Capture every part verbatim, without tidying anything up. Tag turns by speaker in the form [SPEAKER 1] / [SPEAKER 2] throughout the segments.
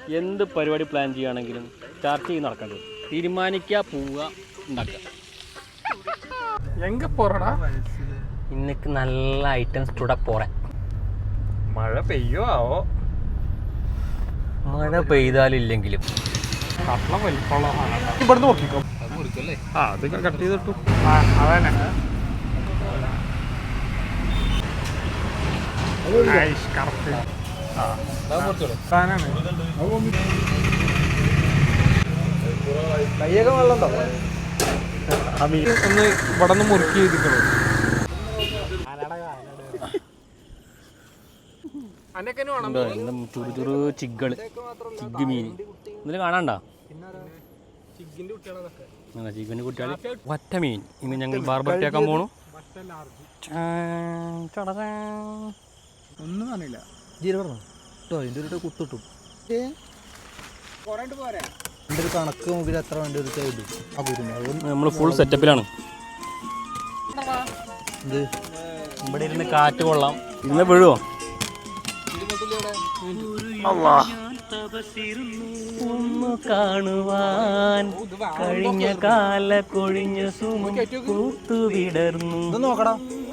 [SPEAKER 1] എന്ത് പരിപാടി പ്ലാൻ ചെയ്യുകയാണെങ്കിലും ചർച്ച ചെയ്ത് നടക്കേണ്ടത്. തീരുമാനിക്കുക, പോവുക, ഉണ്ടാക്കുക.
[SPEAKER 2] എങ്ക പോറടാ
[SPEAKER 1] ഇന്നക്ക് നല്ല ഐറ്റംസ് ചൂടാ പോറേ.
[SPEAKER 2] മഴ പെയ്യോ ആവോ?
[SPEAKER 1] മഴ പെയ്താലില്ലെങ്കിലും
[SPEAKER 2] കഷ്ണം വലിപ്പമുള്ള ഇവിടുന്ന് നോക്കിക്കോ. ആ അത് കട്ട് ചെയ്തിട്ടു. ആ അതന്നെ കറക്റ്റ്.
[SPEAKER 3] കയ്യൊക്കെ വെള്ളം
[SPEAKER 2] ഒന്ന് ഇവിടെ നിന്ന് മുറുക്കി ചെയ്തിട്ടുള്ളൂ.
[SPEAKER 1] ചുറു ചുറു ചിഗ്കള് ചിഗ് മീൻ ഇതിൽ കാണാണ്ട ചിക്കൻ്റെ കുട്ടികൾ ഒറ്റ മീൻ. ഇന്ന് ഞങ്ങൾ ബാർബർട്ടിയാക്കാൻ പോണു.
[SPEAKER 3] ഒന്നും കാണില്ല. ജീരോ കേട്ടോ ഇതിൻ്റെ ഒരു കുത്തിട്ടു. എൻ്റെ ഒരു കണക്ക് മുമ്പിൽ എത്ര വേണ്ടി ഒരു ചെയ്തു.
[SPEAKER 1] നമ്മൾ ഫുൾ സെറ്റപ്പിലാണ്.
[SPEAKER 3] ഇത്
[SPEAKER 1] ഇവിടെ ഇരുന്ന് കാറ്റ് കൊള്ളാം. ഇന്ന് വീഴുവോ? ഒന്ന് കാണുവാൻ കഴിഞ്ഞ കാല കൊഴിഞ്ഞ സുമൂത്തു വിടർന്നു.
[SPEAKER 3] നോക്കടാ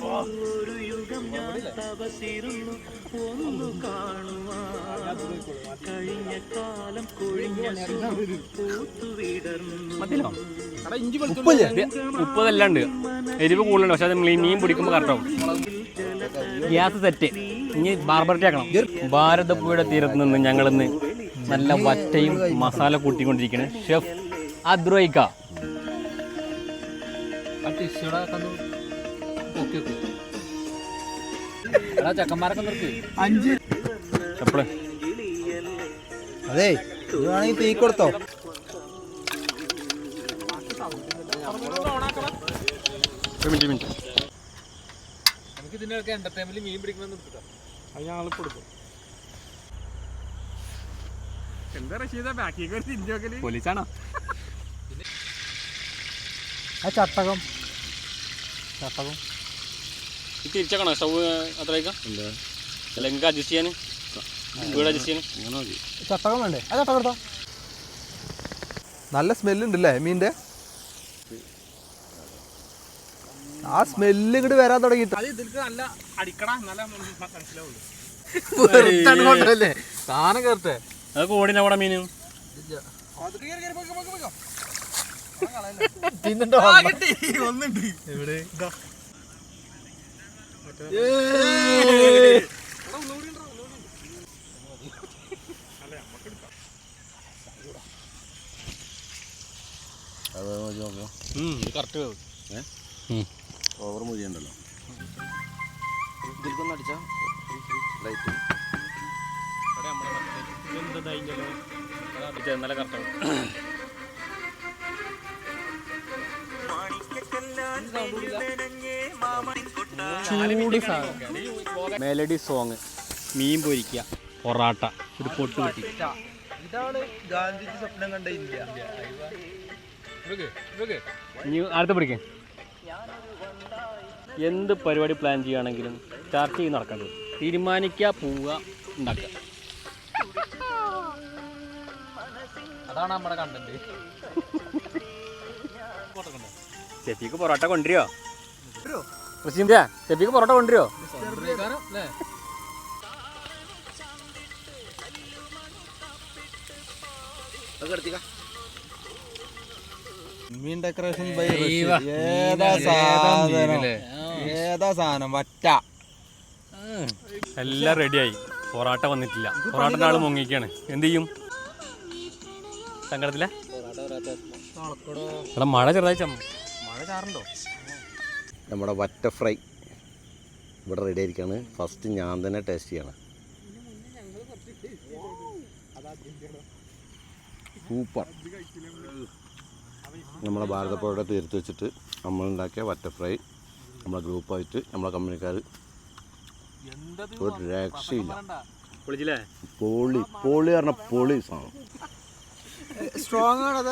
[SPEAKER 1] ഒന്ന് കാണുവാൻ കഴിഞ്ഞ കാലം കൊഴിഞ്ഞ പൂത്തു വിടർന്നു. മുപ്പതല്ലാണ്ട് എരിവ് കൂടുതലുണ്ട്. പക്ഷെ അത് മീൻ പിടിക്കുമ്പോൾ കറക്റ്റാവും. Gas set. ഇനി ബാർബർട്ടി ആക്കണം. ഭാരതപ്പുഴയുടെ തീരത്ത് നിന്ന് ഞങ്ങളിന്ന് നല്ല വറ്റയും മസാല കൂട്ടിക്കൊണ്ടിരിക്കുന്നത് ഷെഫ് അദ്രോയിക്ക. ചക്കന്മാരൊക്കെ നിർത്തി
[SPEAKER 3] അഞ്ച്
[SPEAKER 1] എപ്പോഴും
[SPEAKER 3] അതെ ഇത് വേണമെങ്കിൽ തീ കൊടുത്തോ.
[SPEAKER 1] മിനിറ്റ് മിനിറ്റ്
[SPEAKER 2] നമുക്ക് ഇതിൻ്റെയൊക്കെ എന്റർടൈൻമെന്റ് മീൻ പിടിക്കണമെന്ന് നിർത്തിട്ടോ. അത് ഞങ്ങൾ കൊടുക്കും. എന്താ റഷീദ ബാക്കിയൊക്കെ ഒരു തിരിഞ്ഞോക്കല്?
[SPEAKER 1] പോലീസാണോ?
[SPEAKER 3] ആ ചട്ടകം ചട്ടകം
[SPEAKER 1] തിരിച്ചേക്കണോ സ്റ്റവ്? അത്രയ്ക്കാം അല്ല എനിക്ക് അഡ്ജസ്റ്റ് ചെയ്യാൻ വീട് അഡ്ജസ്റ്റ് ചെയ്യാൻ അങ്ങനെ മതി.
[SPEAKER 3] ചട്ടകം വേണ്ടേ? ആ ചട്ടകം എടുത്തോ. നല്ല സ്മെല്ലുണ്ടല്ലേ മീൻ്റെ? ആ സ്മെല്ല് ഇങ്ങോട്ട് വരാൻ തുടങ്ങിയിട്ട്
[SPEAKER 2] നല്ല അടിക്കണ നല്ല മനസ്സിലാവുള്ളൂ.
[SPEAKER 3] സാധനം കേറട്ടെ.
[SPEAKER 1] അതൊക്കെ ഓടിന അവിടെ മീനും
[SPEAKER 3] എവിടെ
[SPEAKER 1] കറക്റ്റ്
[SPEAKER 4] ഓവർ മുരിയുണ്ടല്ലോ. ഇതിൽക്കൊന്ന് അടിച്ചാൽ ലൈറ്റ്
[SPEAKER 1] നല്ല കറക്റ്റാവും. ചൂട് സാധനം. മെലഡി സോങ്, മീൻ പൊരിക്കുക, പൊറാട്ട, ഒരു പൊട്ട് കിട്ടി.
[SPEAKER 3] ഇതാണ് ഗാന്ധിജി സ്വപ്നം കണ്ട ഇന്ത്യ.
[SPEAKER 1] ഇനി അടുത്ത പിടിക്കേ. എന്ത് പരിപാടി പ്ലാൻ ചെയ്യുകയാണെങ്കിലും ചർച്ച ചെയ്ത് നടക്കേണ്ടത്. തീരുമാനിക്കുക, പോവുക, ഉണ്ടാക്കുക.
[SPEAKER 2] അതാണ് നമ്മുടെ കണ്ടന്റ്.
[SPEAKER 1] ഷെഫിക്ക് പൊറോട്ട കൊണ്ടുവരുമോ? റഷീന്ത്യ ഷെഫിക്ക് പൊറോട്ട കൊണ്ടുവരുമോ?
[SPEAKER 3] മീൻ ഡെക്കറേഷൻ ബൈ ഏതാ സാധനം ഏതാ സാധനം വറ്റ
[SPEAKER 1] എല്ലാം റെഡിയായി. പൊറോട്ട വന്നിട്ടില്ല. പൊറോട്ടൻ്റെ ആൾ മുങ്ങിക്കാണ്. എന്ത് ചെയ്യും? സങ്കടത്തില്ല. ഇവിടെ മഴ ചെറുതായി മഴ ചാറുണ്ടോ?
[SPEAKER 4] നമ്മുടെ വറ്റ ഫ്രൈ ഇവിടെ റെഡി ആയിരിക്കുകയാണ്. ഫസ്റ്റ് ഞാൻ തന്നെ ടേസ്റ്റ് ചെയ്യണം. സൂപ്പർ. നമ്മളെ ഭാരതപ്പുഴയുടെ തീർത്ത് വെച്ചിട്ട് നമ്മളുണ്ടാക്കിയ വറ്റ ഫ്രൈ നമ്മളെ ഗ്രൂപ്പായിട്ട് നമ്മളെ കമ്പനിക്കാർ ഒരു രക്ഷയില്ല. പൊളി പൊളി പറഞ്ഞ പൊളി സാധനം.
[SPEAKER 3] സ്ട്രോങ് ആണത്.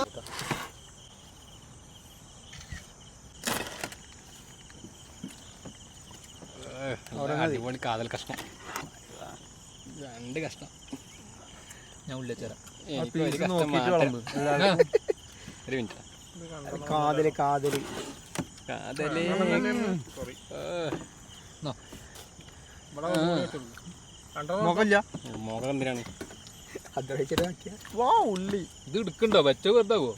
[SPEAKER 1] അടിപൊളി കാതൽ കഷ്ണം. രണ്ട് കഷ്ണം
[SPEAKER 3] ഞാൻ ഉള്ളിൽ ചേരാം.
[SPEAKER 1] എനിക്ക് ഒരു കഷ്ടം മാറ്റം. ഒരു മിനിറ്റ്
[SPEAKER 3] കാതല് കാതല്
[SPEAKER 1] കാതലേ
[SPEAKER 2] മുഖമില്ല
[SPEAKER 1] മുഖം എന്തിനാണ്
[SPEAKER 3] വാ ഉള്ളി
[SPEAKER 1] ഇത് എടുക്കണ്ടോ വെച്ച വെറുതാവോ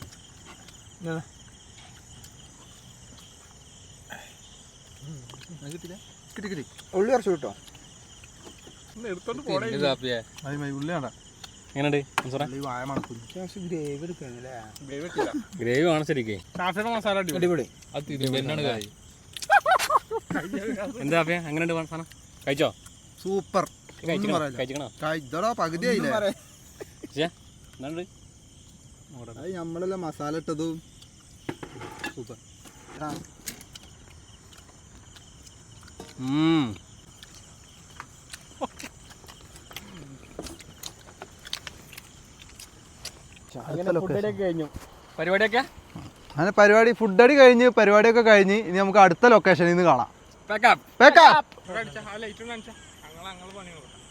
[SPEAKER 3] ഉള്ളി കുറച്ച് കിട്ടോ
[SPEAKER 2] എടുത്തോണ്ട് പോണേ ഉള്ളിയാണ്ടാ
[SPEAKER 1] എങ്ങനെയുണ്ട്
[SPEAKER 3] വായ മണക്കും ഗ്രേവി എടുക്കണല്ലേ
[SPEAKER 1] ഗ്രേവി ആണ് ശരിക്കേ
[SPEAKER 2] കാഫിയുടെ മസാല അടിപൊളി
[SPEAKER 3] അടിപൊളി
[SPEAKER 1] എന്താ അപ്പ എങ്ങനെയുണ്ട് സാധനം കഴിച്ചോ
[SPEAKER 3] സൂപ്പർ
[SPEAKER 1] കഴിച്ചിക്കണോ
[SPEAKER 3] ഇതോടാ പകുതിയായില്ലേ
[SPEAKER 1] എന്നുണ്ട്
[SPEAKER 3] അത് നമ്മളെല്ലാം മസാല ഇട്ടതും
[SPEAKER 1] സൂപ്പർ കഴിഞ്ഞു പരിപാടിയൊക്കെ
[SPEAKER 3] അങ്ങനെ പരിപാടി ഫുഡ് അടി കഴിഞ്ഞ് പരിപാടിയൊക്കെ കഴിഞ്ഞ് ഇനി നമുക്ക് അടുത്ത ലൊക്കേഷനിൽ നിന്ന് കാണാം.
[SPEAKER 1] Pack up
[SPEAKER 3] pack up.
[SPEAKER 2] ആ ലൈറ്റ് കാണിച്ചാ ഞങ്ങൾ ഞങ്ങൾ പണി നോക്കാം.